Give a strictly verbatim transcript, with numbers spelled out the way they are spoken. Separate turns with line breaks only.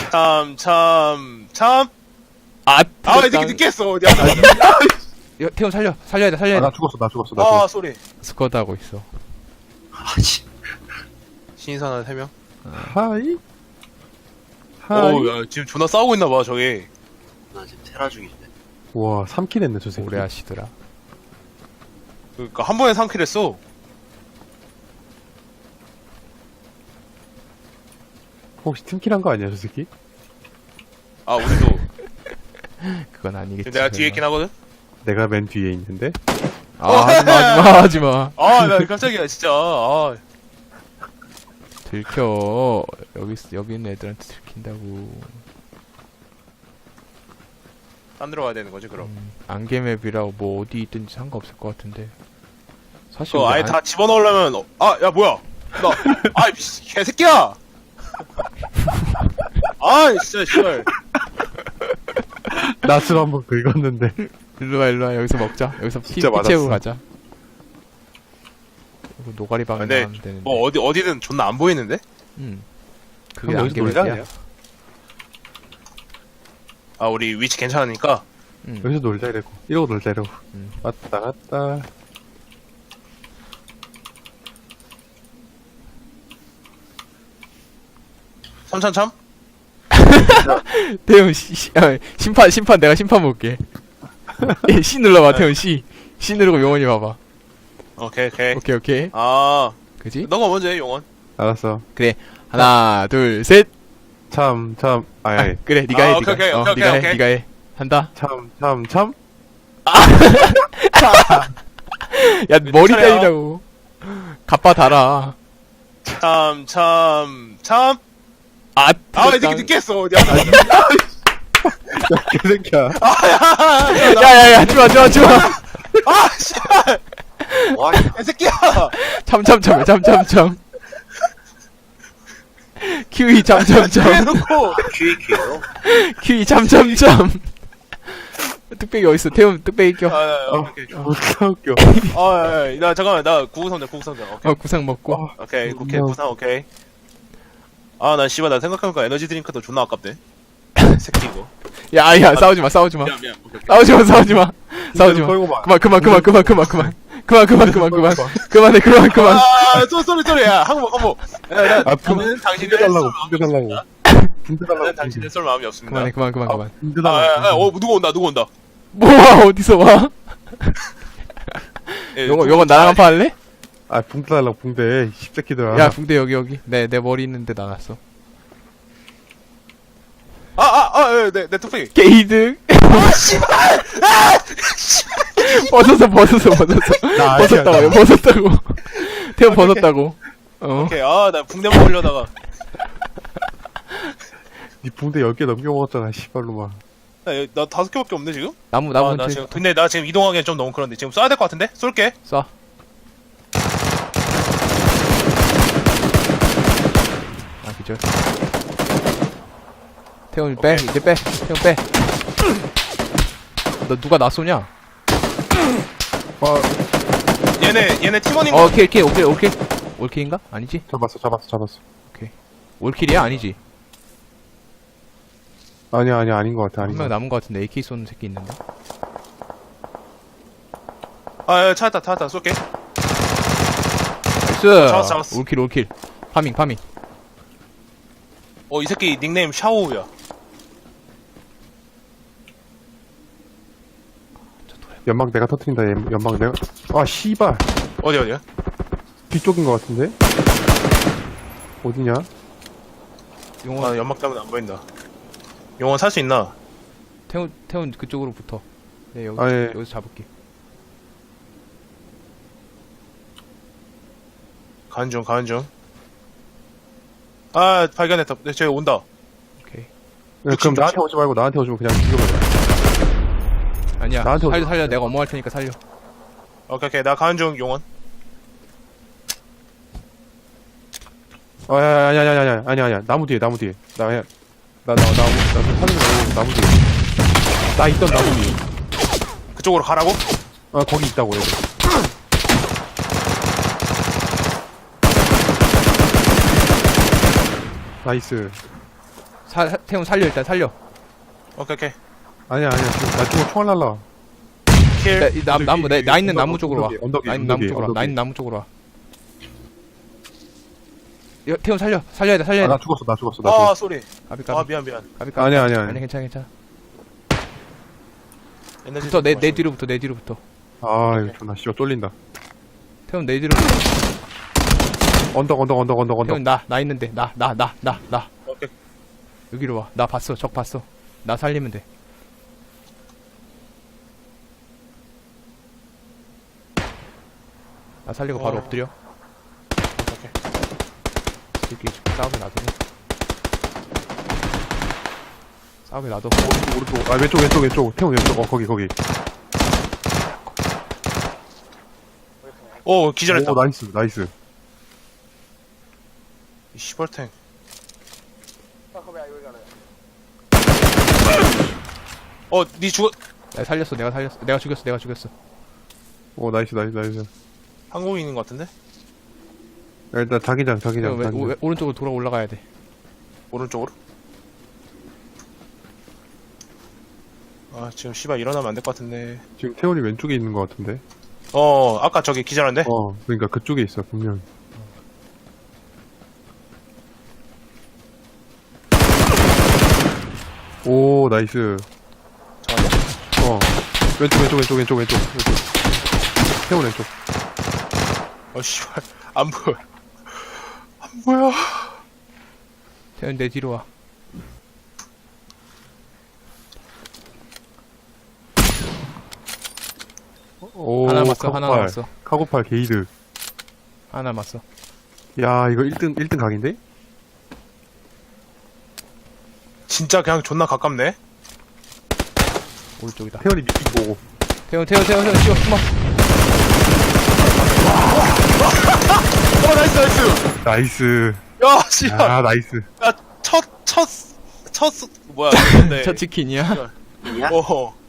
참, 참, 참.
아,
아, 이 새끼 늦게 했어. 어디야?
야, 태훈 살려. 살려야 돼, 살려야
아,
돼.
나 죽었어, 나 죽었어, 나
아,
죽었어.
쏘리.
스쿼드 하고 있어.
아씨.
신선한 세 명.
하이. 하이.
오, 야, 지금 존나 싸우고 있나봐, 저기.
나 지금 테라 중인데.
와, 삼 킬 했네, 저 새끼.
오래 하시더라.
그니까, 한 번에 삼 킬 했어.
혹시 팀킬 한 거 아니야, 저 새끼?
아, 우리도.
그건 아니겠지.
내가 뒤에 있긴 하거든?
내가 맨 뒤에 있는데?
아, 하지마, 하지마, 하지마.
아, 나 깜짝이야, 진짜. 아,
들켜. 여기, 있- 여기 있는 애들한테 들킨다고.
안 들어가야 되는 거지, 그럼.
음, 안개맵이라고 뭐 어디 있든지 상관없을 것 같은데. 사실
그거
우리
아예
안-
다 집어넣으려면, 어, 아, 야, 뭐야. 나, 아, 이 개새끼야! 아, 진짜, 씨발.
낯을 한번 긁었는데.
일로와, 일로와. 여기서 먹자. 여기서 피,
진짜
피 채우고
맞았어.
가자. 이거 노가리 방에
근데
나가면 되는데.
뭐, 어디, 어디든 존나 안 보이는데?
음. 그게
그럼 여기서 놀자,
안개맵이야.
그냥.
아, 우리 위치 괜찮으니까.
음.
여기서 놀자, 이러고. 이러고 놀자, 이러고.
음.
왔다 갔다.
삼천참?
태훈 씨, 씨, 아, 심판 심판 내가 심판 볼게. 예, C 눌러봐 태훈 C. C 누르고 용원이 봐봐.
오케이, 오케이.
오케이 오케이.
아,
그지?
너가 먼저 해, 용원.
알았어.
하나 둘 셋.
참, 참, 아이,
아,
아이.
그래 네가
아,
해.
오케이,
네가.
오케이,
어,
오케이,
네가 해.
오케이.
네가 해. 한다.
참, 참, 참.
야 머리
차례야.
때리라고. 갑바 달아.
참, 참, 참.
아,
아, 이 새끼 늦게 했어. 어디야?
개새끼야.
야야야 하지마 하지마 하지마.
아, 씨발.
와,
이 새끼야.
참참참 참참참. 큐이 참참참.
해놓고.
큐이큐요?
큐이 참참참. 뚝배기 어딨어? 태훈 뚝배기 껴.
아, 야, 야,
어,
오케이.
웃겨, 웃겨.
아, 야, 야, 나 잠깐만, 나 구구상자, 구구상자. 오케이,
어 구상 먹고.
오케이, 오케이,
어.
구상, 오케이. 아, 난 씨발, 나 생각해보니까 에너지 드링크도 존나 아깝네. 새끼 이거.
야야 싸우지마 싸우지마.
미안, 미안. 오케이, 오케이.
싸우지마 싸우지마. 싸우지마.
걸고 봐.
그만 그만 그만 그만 그만 그만 그만 그만 그만 그만 그만해 그만 그만.
아, 쏘, 쏘리, 쏘리. 야, 항복, 항복. 야, 나,
아,
저는 당신의
달라고,
쏠
붕대 달라고. 붕대
저는
달라고.
당신의 쏠 마음이 없습니다.
그만해 그만 그만 그만.
붕대
아, 야, 야,
달라고.
어, 누구 온다, 누구 온다.
뭐야 어디서 와?
예,
요거
누구
요거
온다.
나랑 한판 할래?
아, 붕대 달라고, 붕대. 십새끼들아.
야 붕대 여기 여기. 내 내 머리 있는데 나갔어.
아, 아, 아, 예, 내, 내 뚝배기.
게이드.
아, 씨발! 아!
벗었어 벗었어 벗었어.
나 아니야,
벗었다고
나.
벗었다고. 태우 벗었다고. 어.
오케이, 아, 나 붕대 먹으려다가.
니 붕대 열 개 넘겨 먹었잖아, 씨발로만.
나, 여기- 나 다섯 개밖에 없네, 지금?
나무
아,
나무
나
한
지금, 근데 나 지금 이동하기엔 좀 너무 그런데. 지금 쏴야 될 것 같은데? 쏠게.
쏴. 아 그죠. 태훈 빼
오케이.
이제 빼. 태훈 빼. 너 누가 나 쏘냐?
어,
얘네, 얘네 팀원인
어
거.
킬 킬 오킬 오킬 올킬인가? 아니지?
잡았어, 잡았어, 잡았어.
올킬이야? 아니지?
아니야, 아니야, 아닌 것 같아,
한
아닌 것
명
같아.
남은 것 같은데 에이케이 쏘는 새끼 있는데.
아, 야, 찾았다, 찾았다, 쏠게.
나이스.
잡았어, 잡았어.
올킬 올킬. 파밍 파밍.
어, 이 새끼 닉네임 샤오우야.
연막 내가 터트린다, 연- 연막 내가. 아, 씨발.
어디, 어디야?
뒤쪽인 것 같은데? 어디냐?
용원
아, 연막 때문에 안 보인다. 용원 살 수 있나?
태훈 태훈 그쪽으로 붙어. 네 여기
아, 예.
여기서 잡을게.
가는 중, 가는 중. 아, 발견했다. 네, 쟤 온다.
오케이.
야, 그럼
육십,
나한테
육십.
오지 말고 나한테 오시면 그냥 죽여버려.
아니야.
나한테
살려
오지
살려
마.
내가 어머할 테니까 살려.
오케이, 오케이. 나 가는 중, 용원.
아, 야, 아니야, 아니야, 아니야, 아니야, 아니야. 나무 뒤에, 나무 뒤에. 나, 야, 나, 나, 나무, 나, 사는 거 나무 뒤에. 나 있던 나무 뒤에.
그쪽으로 가라고?
아, 거기 있다고, 얘들. 나이스.
사, 사- 태훈 살려 일단 살려.
오케이 오케이.
아니야 아니야 지금 나 죽어 총알 날라.
킬.
나, 이 나, 나무 나, 나 있는
언덕,
나무 쪽으로 와.
언덕이, 언덕이,
나 있는 나무
언덕이,
쪽으로 와. 나
언덕이.
있는 나무 쪽으로 와. 야, 태훈 살려 살려야 돼 살려야
아,
돼.
나 죽었어 나 죽었어 나
아
죽었어.
쏘리.
까비
아
까비
미안 미안.
까비 까비.
아니야 아니야
아니
아니야.
괜찮아 괜찮아.
에너지
붙어 내 내
드링크
뒤로 붙어 내 뒤로 붙어.
아 이거 존나 씨발 쫄린다.
태훈 내 뒤로 붙어.
언덕 언덕 언덕 언덕 언덕.
태훈 나 나 있는데 나 나 나 나 나
마셔. 오케이.
여기로 와. 나 봤어 적 봤어. 나 살리면 돼. 나 살리고 바로
어.
엎드려.
오케이.
이렇게 싸우게 놔두고. 싸우게 놔둬.
오른쪽 아 왼쪽 왼쪽 왼쪽 태훈 왼쪽 어 거기 거기.
오 기절했다.
오 나이스 나이스.
이 시벌탱. 어, 니 죽어.
내가 살렸어 내가 살렸어 내가 죽였어 내가 죽였어.
오 나이스 나이스 나이스.
한국인인 것 같은데?
야, 일단 자기장
태훈
자기장
왜,
자기장.
왜, 오른쪽으로 돌아 올라가야 돼.
오른쪽으로? 아, 지금 씨발 일어나면 안 될 것 같은데.
지금 태훈이 왼쪽에 있는 것 같은데.
어, 아까 저기 기절한데?
어 그러니까 그쪽에 있어 분명. 오 나이스.
잠깐만.
어 왼쪽 왼쪽 왼쪽 왼쪽 왼쪽 왼쪽. 태훈 왼쪽.
어, 씨발. 안 보여. 안 보여.
태훈 내 뒤로 와.
오
하나 남았어 하나
카고팔.
남았어
카고팔 게이드.
하나 남았어.
야 이거 일 등 일 등 각인데?
진짜 그냥 존나 가깝네?
오른쪽이다.
태훈이 미팅 보고.
태훈 태훈 태훈 태훈 쉬어 숨어.
어, 나이스, 나이스.
나이스.
야, 씨발.
아 나이스.
야, 첫, 첫, 첫, 뭐야, 근데.
첫 치킨이야.
야?
어.